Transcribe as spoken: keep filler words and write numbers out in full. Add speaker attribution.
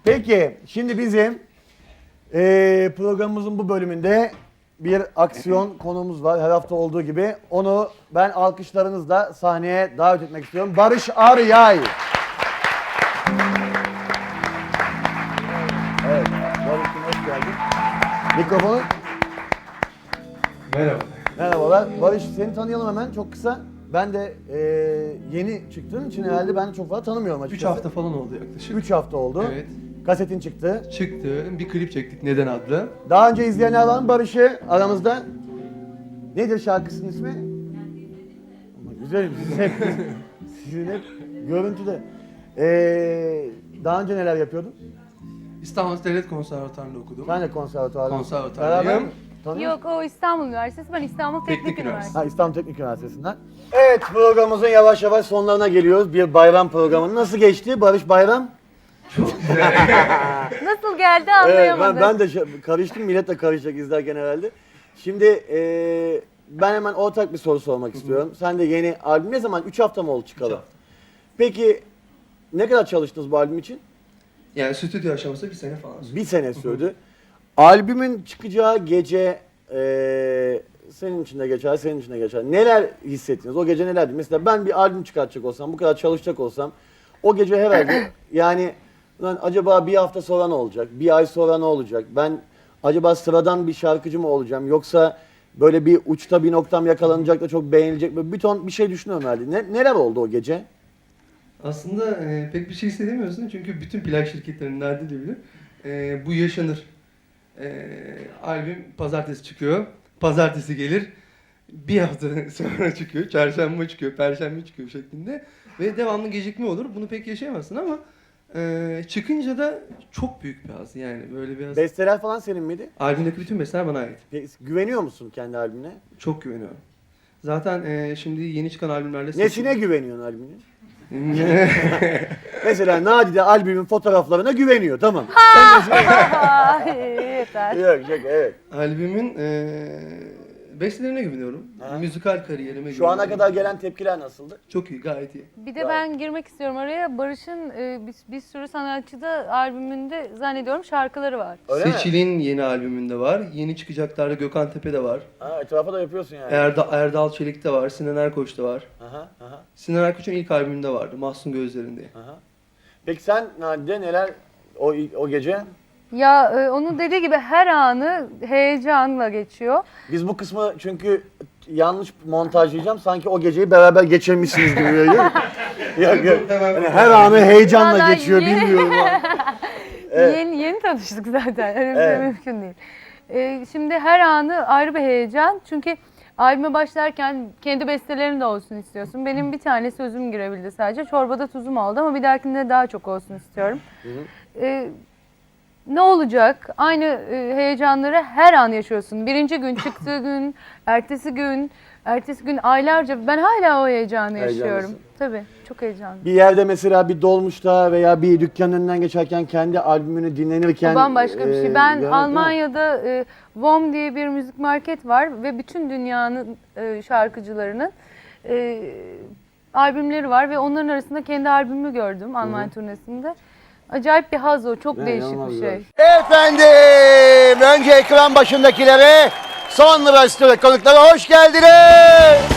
Speaker 1: Peki, şimdi bizim e, programımızın bu bölümünde bir aksiyon konumuz var. Her hafta olduğu gibi. Onu ben alkışlarınızla sahneye davet etmek istiyorum. Barış Aryay. Evet, Barış'cığım hoş geldin. Mikrofonu.
Speaker 2: Merhaba.
Speaker 1: Merhabalar. Barış, seni tanıyalım hemen çok kısa. Ben de e, yeni çıktığım için herhalde ben de çok fazla tanımıyorum
Speaker 2: üç
Speaker 1: açıkçası.
Speaker 2: hafta falan oldu yaklaşık.
Speaker 1: üç hafta oldu.
Speaker 2: Evet.
Speaker 1: Kasetin çıktı.
Speaker 2: Çıktı. Bir klip çektik Neden adlı.
Speaker 1: Daha önce izleyenler var mı Barış'ı aramızda? Nedir şarkısının ismi? Ama güzel, sizin hep, sizin hep görüntüde. Ee, daha önce neler yapıyordun?
Speaker 2: İstanbul Devlet Konservatuvarı'nda okudum.
Speaker 1: Ben de konservatuvar.
Speaker 2: Konservatuvarlıyım.
Speaker 1: Beraber mi? Tanıyor
Speaker 3: Yok, o İstanbul Üniversitesi, ben İstanbul Teknik,
Speaker 2: Teknik
Speaker 3: Üniversitesi.
Speaker 2: Üniversitesi.
Speaker 1: Ha, İstanbul Teknik Üniversitesi'nden. Evet, programımızın yavaş yavaş sonlarına geliyoruz. Bir bayram programı. Nasıl geçti Barış bayram?
Speaker 3: Nasıl geldi
Speaker 1: Evet,
Speaker 3: anlayamadım.
Speaker 1: ben, ben de şa- karıştım, millet de karışacak izlerken herhalde. Şimdi eee, ben hemen ortak bir soru sormak istiyorum. Sen de yeni albüm ne zaman? üç hafta mı oldu çıkalı?
Speaker 2: hafta.
Speaker 1: Peki ne kadar çalıştınız bu albüm için?
Speaker 2: Yani stüdyo aşaması bir sene falan sürdü.
Speaker 1: Bir sene sürdü. Albümün çıkacağı gece eee, senin için de geçer, senin için de geçer. Neler hissettiniz? O gece nelerdi? Mesela ben bir albüm çıkartacak olsam, bu kadar çalışacak olsam o gece herhalde yani lan acaba bir hafta sonra ne olacak? Bir ay sonra ne olacak? Ben acaba sıradan bir şarkıcı mı olacağım? Yoksa böyle bir uçta bir noktam yakalanacak da çok beğenilecek mi? Bir ton bir şey düşünüyorum herhalde. Ne, neler oldu o gece?
Speaker 2: Aslında e, pek bir şey hissedemiyorsun çünkü bütün plak şirketlerinin nerede de bilir. E, bu yaşanır. E, albüm pazartesi çıkıyor. Pazartesi gelir. Bir hafta sonra çıkıyor. Çarşamba çıkıyor. Perşembe çıkıyor şeklinde. Ve devamlı gecikme olur. Bunu pek yaşayamazsın ama e, çıkınca da çok büyük bir haz. Yani böyle biraz...
Speaker 1: Besteler falan senin miydi?
Speaker 2: Albümdeki bütün besteler bana ait.
Speaker 1: Peki, güveniyor musun kendi albümüne?
Speaker 2: Çok güveniyorum. Zaten e, şimdi yeni çıkan albümlerle...
Speaker 1: Nesine güveniyorsun albümüne? Mesela Nadide albümün fotoğraflarına güveniyor, tamam.
Speaker 3: Ay, yeter.
Speaker 1: Yok yok, evet.
Speaker 2: Albümün e, bestelerine güveniyorum.
Speaker 1: Ha.
Speaker 2: Müzikal kariyerime
Speaker 1: Şu ana
Speaker 2: güveniyorum.
Speaker 1: kadar gelen tepkiler nasıldı?
Speaker 2: Çok iyi, gayet iyi.
Speaker 3: Bir de ben girmek istiyorum araya. Barış'ın e, bir, bir sürü sanatçıda albümünde zannediyorum şarkıları var.
Speaker 1: Öyle mi?
Speaker 2: Seçil'in yeni albümünde var. Yeni çıkacaklarda Gökhan Tepe'de var.
Speaker 1: Ha, etrafa da yapıyorsun yani.
Speaker 2: Erda, Erdal Çelik'te var. Sinan Erkoç'ta var.
Speaker 1: Aha, aha,
Speaker 2: Sinan Erkoç'un ilk albümünde vardı. Mahsun Gözlerinde.
Speaker 1: aha. Peki sen Nadide neler o o gece?
Speaker 3: Ya e, onun dediği gibi her anı heyecanla geçiyor.
Speaker 1: Biz bu kısmı çünkü yanlış montajlayacağım. Sanki o geceyi beraber geçirmişsiniz gibi geliyor. Yok yok. Yani her anı heyecanla
Speaker 3: Vallahi
Speaker 1: geçiyor
Speaker 3: yeni-
Speaker 1: bilmiyorum ama. Evet.
Speaker 3: Yeni yeni tanıştık zaten. Öyle bir
Speaker 1: Evet.
Speaker 3: şey mümkün değil. E, şimdi her anı ayrı bir heyecan. Çünkü albüme başlarken kendi bestelerin de olsun istiyorsun. Benim bir tane sözüm girebildi sadece. Çorbada tuzum oldu ama bir dahakinde daha çok olsun istiyorum. E, ne olacak? Aynı e, heyecanları her an yaşıyorsun. Birinci gün, çıktığı gün, ertesi gün, ertesi gün aylarca. Ben hala o heyecanı yaşıyorum.
Speaker 1: Heyecanlısın.
Speaker 3: Tabii, çok heyecanlı.
Speaker 1: Bir yerde mesela bir dolmuşta veya bir dükkanın önünden geçerken kendi albümünü dinlenirken...
Speaker 3: O bambaşka bir
Speaker 1: e,
Speaker 3: şey. Ben
Speaker 1: görmek-
Speaker 3: Almanya'da e, Vom diye bir müzik market var ve bütün dünyanın e, şarkıcılarının e, albümleri var ve onların arasında kendi albümümü gördüm Almanya turnesinde. Acayip bir haz o, çok
Speaker 1: Ne,
Speaker 3: değişik
Speaker 1: inanılmaz
Speaker 3: bir
Speaker 1: güzel.
Speaker 3: şey.
Speaker 1: Efendim, önce ekran başındakilere, sonra stüdyo konuklara hoş geldiniz.